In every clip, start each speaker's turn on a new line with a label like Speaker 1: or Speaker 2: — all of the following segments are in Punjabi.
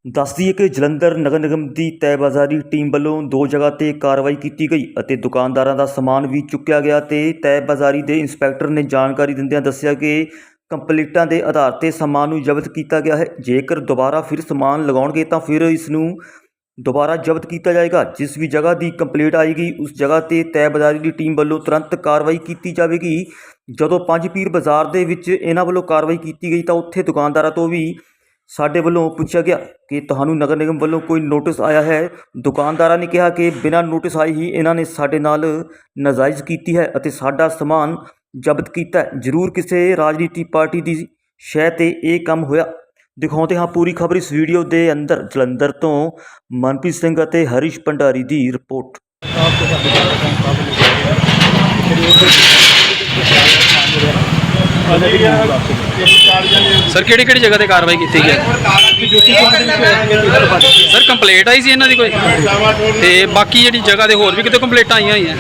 Speaker 1: ਦੱਸ ਦਈਏ ਕਿ ਜਲੰਧਰ ਨਗਰ ਨਿਗਮ ਦੀ ਤੈਅਬਾਜ਼ਾਰੀ ਟੀਮ ਵੱਲੋਂ ਦੋ ਜਗ੍ਹਾ ਤੇ ਕਾਰਵਾਈ ਕੀਤੀ ਗਈ ਅਤੇ ਦੁਕਾਨਦਾਰਾਂ ਦਾ ਸਮਾਨ ਵੀ ਚੁੱਕਿਆ ਗਿਆ ਤੇ ਤੈਅਬਾਜ਼ਾਰੀ ਦੇ ਇੰਸਪੈਕਟਰ ਨੇ ਜਾਣਕਾਰੀ ਦਿੰਦਿਆਂ ਦੱਸਿਆ ਕਿ ਕੰਪਲੀਟਾਂ ਦੇ ਆਧਾਰ ਤੇ ਸਮਾਨ ਨੂੰ ਜ਼ਬਤ ਕੀਤਾ ਗਿਆ ਹੈ। ਜੇਕਰ ਦੁਬਾਰਾ ਫਿਰ ਸਮਾਨ ਲਗਾਉਣਗੇ ਤਾਂ ਫਿਰ ਇਸ ਨੂੰ ਦੁਬਾਰਾ ਜ਼ਬਤ ਕੀਤਾ ਜਾਏਗਾ। ਜਿਸ ਵੀ ਜਗ੍ਹਾ ਦੀ ਕੰਪਲੀਟ ਆਏਗੀ ਉਸ ਜਗ੍ਹਾ ਤੇ ਤੈਅਬਾਜ਼ਾਰੀ ਦੀ ਟੀਮ ਵੱਲੋਂ ਤੁਰੰਤ ਕਾਰਵਾਈ ਕੀਤੀ ਜਾਵੇਗੀ। ਜਦੋਂ ਪੰਜ ਪੀਰ ਬਾਜ਼ਾਰ ਦੇ ਵਿੱਚ ਇਹਨਾਂ ਵੱਲੋਂ ਕਾਰਵਾਈ ਕੀਤੀ ਗਈ ਤਾਂ ਉੱਥੇ ਦੁਕਾਨਦਾਰਾਂ ਤੋਂ ਵੀ ਸਾਡੇ ਵੱਲੋਂ ਪੁੱਛਿਆ ਗਿਆ ਕਿ ਤੁਹਾਨੂੰ ਨਗਰ ਨਿਗਮ ਵੱਲੋਂ ਕੋਈ ਨੋਟਿਸ ਆਇਆ ਹੈ। ਦੁਕਾਨਦਾਰਾਂ ਨੇ ਕਿਹਾ ਕਿ ਬਿਨਾਂ ਨੋਟਿਸ ਆਏ ਹੀ ਇਹਨਾਂ ਨੇ ਸਾਡੇ ਨਾਲ ਨਾਜਾਇਜ਼ ਕੀਤੀ ਹੈ ਅਤੇ ਸਾਡਾ ਸਮਾਨ ਜ਼ਬਤ ਕੀਤਾ ਹੈ। ਜ਼ਰੂਰ ਕਿਸੇ ਰਾਜਨੀਤੀ ਪਾਰਟੀ ਦੀ ਸ਼ੈ ਤੇ ਇਹ ਕੰਮ ਹੋਇਆ। ਦਿਖਾਉਂਦੇ ਹਾਂ ਪੂਰੀ ਖਬਰ ਇਸ ਵੀਡੀਓ ਦੇ ਅੰਦਰ। ਜਲੰਧਰ ਤੋਂ ਮਨਪ੍ਰੀਤ ਸਿੰਘ ਅਤੇ ਹਰੀਸ਼ ਭੰਡਾਰੀ ਦੀ ਰਿਪੋਰਟ।
Speaker 2: सर ਕਿਹੜੀ जगह ਤੇ ਕਾਰਵਾਈ ਕੀਤੀ ਗਈ ਸਰ? ਕੰਪਲੇਂਟ ਆਈ ਸੀ ਇਹਨਾਂ ਦੀ ਕੋਈ ਤੇ ਬਾਕੀ ਜਿਹੜੀ ਜਗ੍ਹਾ ਦੇ ਹੋਰ ਵੀ ਕਿਤੇ ਕੰਪਲੇਂਟਾਂ ਆਈਆਂ ਹੋਈਆਂ?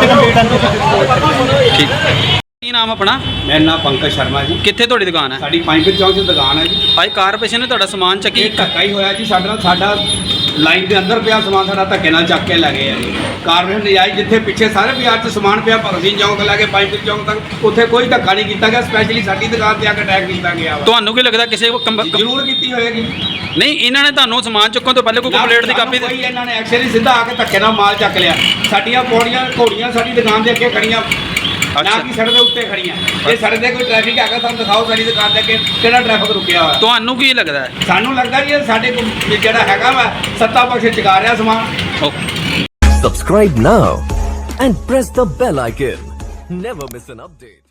Speaker 2: ਠੀਕ। ਕੀ ਨਾਮ ਆਪਣਾ?
Speaker 3: मेरा नाम पंकज शर्मा जी।
Speaker 2: ਕਿੱਥੇ ਤੁਹਾਡੀ ਦੁਕਾਨ ਹੈ?
Speaker 3: साड़ी पांचपीर चौक से दुकान है जी।
Speaker 2: ਭਾਈ ਕਾਰਪੋਰੇਸ਼ਨ ਨੇ ਤੁਹਾਡਾ ਸਮਾਨ ਚੱਕੀ?
Speaker 3: ਇਹ ਧੱਕਾ ਹੀ ਹੋਇਆ ਜੀ ਸਾਡੇ ਨਾਲ। ਸਾਡਾ ਲਾਈਨ ਦੇ ਅੰਦਰ ਪਿਆ ਸਮਾਨ ਸਾਡਾ ਧੱਕੇ ਨਾਲ ਚੱਕ ਕੇ ਲੈ ਗਏ ਆ ਜੀ। ਕਾਰਪੋਰੇਸ਼ਨ ਨਜਾਇਜ਼ ਜਿੱਥੇ ਪਿੱਛੇ ਸਾਰੇ ਬਾਜ਼ਾਰ 'ਚ ਸਮਾਨ ਪਿਆ ਭਗਤ ਸਿੰਘ ਚੌਕ ਤੋਂ ਲੈ ਕੇ ਪਾਂਚਪੀਰ ਚੌਕ ਤੱਕ ਉੱਥੇ ਕੋਈ ਧੱਕਾ ਨਹੀਂ ਕੀਤਾ ਗਿਆ। ਸਪੈਸ਼ਲੀ ਸਾਡੀ ਦੁਕਾਨ ਤੇ ਆ ਕੇ ਅਟੈਕ ਕੀਤਾ ਗਿਆ ਵਾ।
Speaker 2: ਤੁਹਾਨੂੰ ਕੀ ਲੱਗਦਾ ਕਿਸੇ
Speaker 3: ਜ਼ਰੂਰ ਕੀਤੀ ਹੋਏਗੀ।
Speaker 2: ਨਹੀਂ, ਇਹਨਾਂ ਨੇ ਤੁਹਾਨੂੰ ਸਮਾਨ ਚੁੱਕਣ ਤੋਂ ਪਹਿਲੇ ਕੋਈ ਕੰਪਲੇਂਟ ਦੀ ਕਾਪੀ
Speaker 3: ਕੋਈ ਇਹਨਾਂ ਨੇ ਐਕਸ਼ਨ ਹੀ ਸਿੱਧਾ ਆ ਕੇ ਧੱਕੇ ਨਾਲ ਮਾਲ ਚੱਕ ਲਿਆ। ਸਾਡੀਆਂ ਪੌੜੀਆਂ ਘੋੜੀਆਂ ਸਾਡੀ ਦੁਕਾਨ ਦੇ ਅੱਗੇ ਖੜੀਆਂ, ਨਾ ਕਿ ਸੜਕ ਦੇ ਉੱਤੇ ਖੜੀਆਂ। ਜੇ ਸੜਕ ਦੇ ਕੋਈ ਟ੍ਰੈਫਿਕ ਹੈਗਾ ਸਾਨੂੰ ਦਿਖਾਓ ਸਾਡੀ ਦੁਕਾਨ ਦੇ ਅੱਗੇ ਕਿਹੜਾ ਟ੍ਰੈਫਿਕ ਰੁਕਿਆ ਹੋਇਆ।
Speaker 2: ਤੁਹਾਨੂੰ ਕੀ ਲੱਗਦਾ ਹੈ?
Speaker 3: ਸਾਨੂੰ ਲੱਗਦਾ ਜੀ ਸਾਡੇ ਕੋਲ ਜਿਹੜਾ ਹੈਗਾ ਵਾ ਸੱਤਾ ਪਕਸ਼ ਚੁਕਾ ਰਿਹਾ ਸਮਾਨ।
Speaker 4: Subscribe now and press the bell icon. Never miss an update.